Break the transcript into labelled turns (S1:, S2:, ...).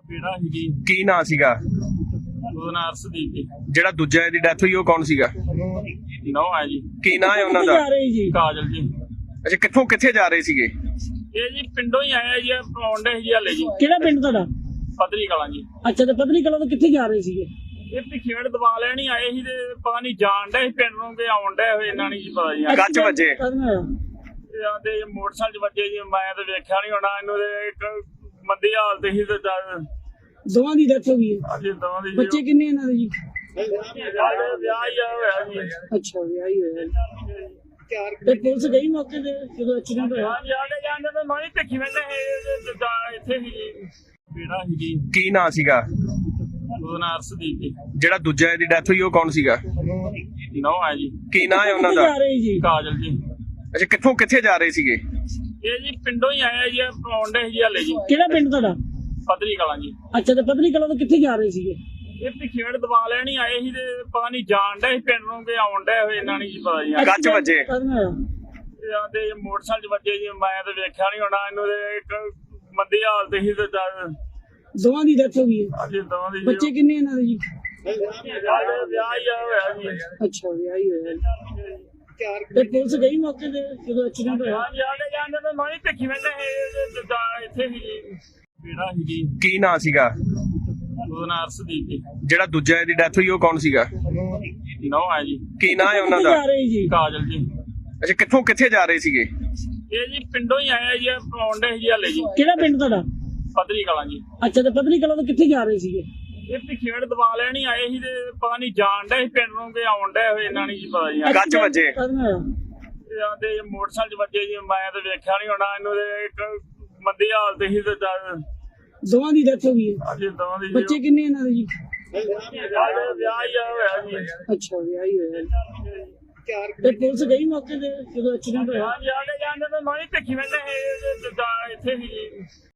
S1: ਕਿਹੜਾ ਸੀ ਜੀ?
S2: ਕੀ ਨਾਂ ਸੀਗਾ?
S1: ਉਹਦਾ ਨਾਂ ਅਰਸ਼ਦੀਪ ਜੀ।
S2: ਜਿਹੜਾ ਦੂਜਾ ਦੀ ਡੈਥ ਹੋਈ ਉਹ ਕੌਣ ਸੀਗਾ?
S1: ਨੌ ਹੈ ਜੀ।
S2: ਕੀ ਨਾਂ ਹੈ ਉਹਨਾਂ ਦਾ?
S1: ਕਾਜਲ ਜੀ।
S2: ਅੱਛਾ, ਕਿੱਥੇ ਜਾ ਰਹੇ ਸੀਗੇ?
S1: ਇਹ ਜੀ ਪਿੰਡੋਂ ਹੀ ਆਇਆ ਜੀ, ਪੌਂਡੇ ਜੀ ਹਲੇ ਜੀ।
S3: ਕਿਹੜਾ ਪਿੰਡ ਤੁਹਾਡਾ?
S1: ਪਤਰੀ ਕਲਾਂ ਜੀ।
S3: ਅੱਛਾ, ਤੇ ਪਤਨੀ ਕਲਾਂ ਤੋਂ ਕਿੱਥੇ ਜਾ ਰਹੇ ਸੀਗੇ?
S1: ਇਹ ਪਿਛੇੜ ਦਬਾ ਲੈਣੀ ਆਏ ਸੀ ਤੇ ਪਤਾ ਨਹੀਂ ਜਾਣ ਡਏ ਸੀ ਪਿੰਡ ਨੂੰ ਕਿ ਆਉਣ ਡਏ ਹੋਏ, ਇਹਨਾਂ ਨਹੀਂ ਜੀ ਪਤਾ ਜੀ।
S2: ਕੱਚ ਵੱਜੇ?
S1: ਇਹ ਆਂਦੇ ਮੋਟਰਸਾਈਕਲ 'ਚ ਵੱਜੇ ਜੀ, ਮੈਂ ਤਾਂ ਵੇਖਿਆ ਨਹੀਂ ਹੋਣਾ ਇਹਨੂੰ। ਤੇ ਇੱਕ ਮੰਦੀ ਹਾਲਤ ਸੀ ਤੇ
S3: ਦੋਵਾਂ ਦੀ ਡੈਥ ਹੋ ਗਈ ਹੈ।
S1: ਅੱਜ ਦੋਵਾਂ ਦੀ
S3: ਬੱਚੇ ਕਿੰਨੇ ਇਹਨਾਂ ਦੇ ਜੀ?
S1: ਵਿਆਹ ਹੀ ਹੋਇਆ ਜੀ।
S3: ਅੱਛਾ, ਵਿਆਹ ਹੀ ਹੋਇਆ ਜੀ। ਤੇ ਪੁਲਿਸ ਗਈ ਮੌਕੇ ਤੇ ਜਦੋਂ ਐਕਸੀਡੈਂਟ ਹੋਇਆ?
S1: ਹਾਂਜੀ, ਆਲੇ ਜਾਂਦੇ ਤੇ ਮੈਂ ਵੀ ਭਿੱਖੀ ਵੇਲੇ ਇੱਥੇ ਸੀ ਜੀ। ਕਿਹੜਾ ਸੀ ਜੀ?
S2: ਕੀ ਨਾਂ ਸੀਗਾ?
S1: ਉਹਦਾ ਨਾਂ ਅਰਸ਼ਦੀਪ ਜੀ।
S2: ਜਿਹੜਾ ਦੂਜਾ ਦੀ ਡੈਥ ਹੋਈ ਉਹ ਕੌਣ ਸੀਗਾ?
S1: ਨੌ ਹੈ ਜੀ।
S2: ਕੀ ਨਾਂ ਹੈ ਉਹਨਾਂ ਦਾ?
S1: ਕਾਜਲ ਜੀ।
S2: ਅੱਛਾ, ਕਿੱਥੇ ਜਾ ਰਹੇ ਸੀਗੇ?
S1: ਇਹ ਜੀ ਪਿੰਡੋਂ ਹੀ ਆਇਆ ਜੀ, ਪੌਂਡੇ ਜੀ ਹਲੇ ਜੀ।
S3: ਕਿਹੜਾ ਪਿੰਡ ਤੁਹਾਡਾ?
S1: ਪਤਰੀ ਕਲਾਂ ਜੀ।
S3: ਅੱਛਾ, ਤੇ ਪਤਨੀ ਕਲਾਂ ਤੋਂ ਕਿੱਥੇ ਜਾ ਰਹੇ ਸੀਗੇ?
S1: ਇਹ ਪਿਛੇੜ ਦਬਾ ਲੈਣੀ ਆਏ ਸੀ ਤੇ ਪਤਾ ਨਹੀਂ ਜਾਣ ਡਏ ਸੀ ਪਿੰਡ ਨੂੰ ਕਿ ਆਉਣ ਡਏ ਹੋਏ, ਇਹਨਾਂ ਨਹੀਂ ਜੀ ਪਤਾ ਜੀ।
S2: ਕੱਚ ਵੱਜੇ?
S1: ਇਹ ਆਂਦੇ ਮੋਟਰਸਾਈਕਲ 'ਚ ਵੱਜੇ ਜੀ, ਮੈਂ ਤਾਂ ਵੇਖਿਆ ਨਹੀਂ ਹੋਣਾ ਇਹਨੂੰ। ਤੇ ਇੱਕ ਮੰਦੀ ਹਾਲਤ ਸੀ ਤੇ
S3: ਦੋਵਾਂ ਦੀ ਡੈਥ ਹੋ ਗਈ ਹੈ।
S1: ਅੱਜ ਦੋਵਾਂ ਦੀ
S3: ਬੱਚੇ ਕਿੰਨੇ ਇਹਨਾਂ ਦੇ ਜੀ?
S1: ਵਿਆਹ ਹੀ ਹੋਇਆ ਜੀ।
S3: ਅੱਛਾ, ਵਿਆਹ ਹੀ ਹੋਇਆ ਜੀ। ਤੇ ਪੁਲਿਸ ਗਈ ਮੌਕੇ ਤੇ ਜਦੋਂ ਐਕਸੀਡੈਂਟ ਹੋਇਆ?
S1: ਹਾਂਜੀ, ਆਲੇ ਜਾਂਦੇ ਤੇ ਮੈਂ ਵੀ ਭਿੱਖੀ ਵੇਲੇ ਇੱਥੇ ਸੀ ਜੀ। ਕਿਹੜਾ ਸੀ ਜੀ?
S2: ਕੀ ਨਾਂ ਸੀਗਾ?
S1: ਉਹਦਾ ਨਾਂ ਅਰਸ਼ਦੀਪ ਜੀ।
S2: ਜਿਹੜਾ ਦੂਜਾ ਦੀ ਡੈਥ ਹੋਈ ਉਹ ਕੌਣ ਸੀਗਾ?
S1: ਨੌ ਹੈ ਜੀ।
S2: ਕੀ ਨਾਂ ਹੈ ਉਹਨਾਂ ਦਾ?
S1: ਕਾਜਲ ਜੀ।
S2: ਅੱਛਾ, ਕਿੱਥੇ ਜਾ ਰਹੇ ਸੀਗੇ?
S1: ਇਹ ਜੀ ਪਿੰਡੋਂ ਹੀ ਆਇਆ ਜੀ, ਪੌਂਡੇ ਜੀ ਹਲੇ ਜੀ।
S3: ਕਿਹੜਾ ਪਿੰਡ ਤੁਹਾਡਾ?
S1: ਪਤਰੀ ਕਲਾਂ ਜੀ।
S3: ਅੱਛਾ, ਤੇ ਪਤਨੀ ਕਲਾਂ ਤੋਂ ਕਿੱਥੇ ਜਾ ਰਹੇ ਸੀਗੇ?
S1: ਇਹ ਪਿਛੇੜ ਦਬਾ ਲੈਣੀ ਆਏ ਸੀ ਤੇ ਪਤਾ ਨਹੀਂ ਜਾਣ ਡਏ ਸੀ ਪਿੰਡ ਨੂੰ ਕਿ ਆਉਣ ਡਏ ਹੋਏ, ਇਹਨਾਂ ਨਹੀਂ ਜੀ ਪਤਾ ਜੀ।
S2: ਕੱਚ ਵੱਜੇ?
S1: ਇਹ ਆਂਦੇ ਮੋਟਰਸਾਈਕਲ 'ਚ ਵੱਜੇ ਜੀ, ਮੈਂ ਤਾਂ ਵੇਖਿਆ ਨਹੀਂ ਹੋਣਾ ਇਹਨੂੰ। ਤੇ ਇੱਕ ਮੰਦੀ ਹਾਲਤ ਸੀ ਤੇ
S3: ਦੋਵਾਂ ਦੀ ਡੈਥ ਹੋ ਗਈ ਹੈ।
S1: ਅੱਜ ਦੋਵਾਂ ਦੀ
S3: ਬੱਚੇ ਕਿੰਨੇ ਇਹਨਾਂ ਦੇ ਜੀ?
S1: ਵਿਆਹ ਹੀ ਹੋਇਆ ਜੀ।
S3: ਅੱਛਾ, ਵਿਆਹ ਹੀ ਹੋਇਆ ਜੀ। ਤੇ ਪੁਲਿਸ ਗਈ ਮੌਕੇ ਤੇ ਜਦੋਂ ਐਕਸੀਡੈਂਟ ਹੋਇਆ?
S1: ਹਾਂਜੀ, ਆਲੇ ਜਾਂਦੇ ਤੇ ਮੈਂ ਵੀ ਭਿੱਖੀ ਵੇਲੇ ਇੱਥੇ ਸੀ ਜੀ।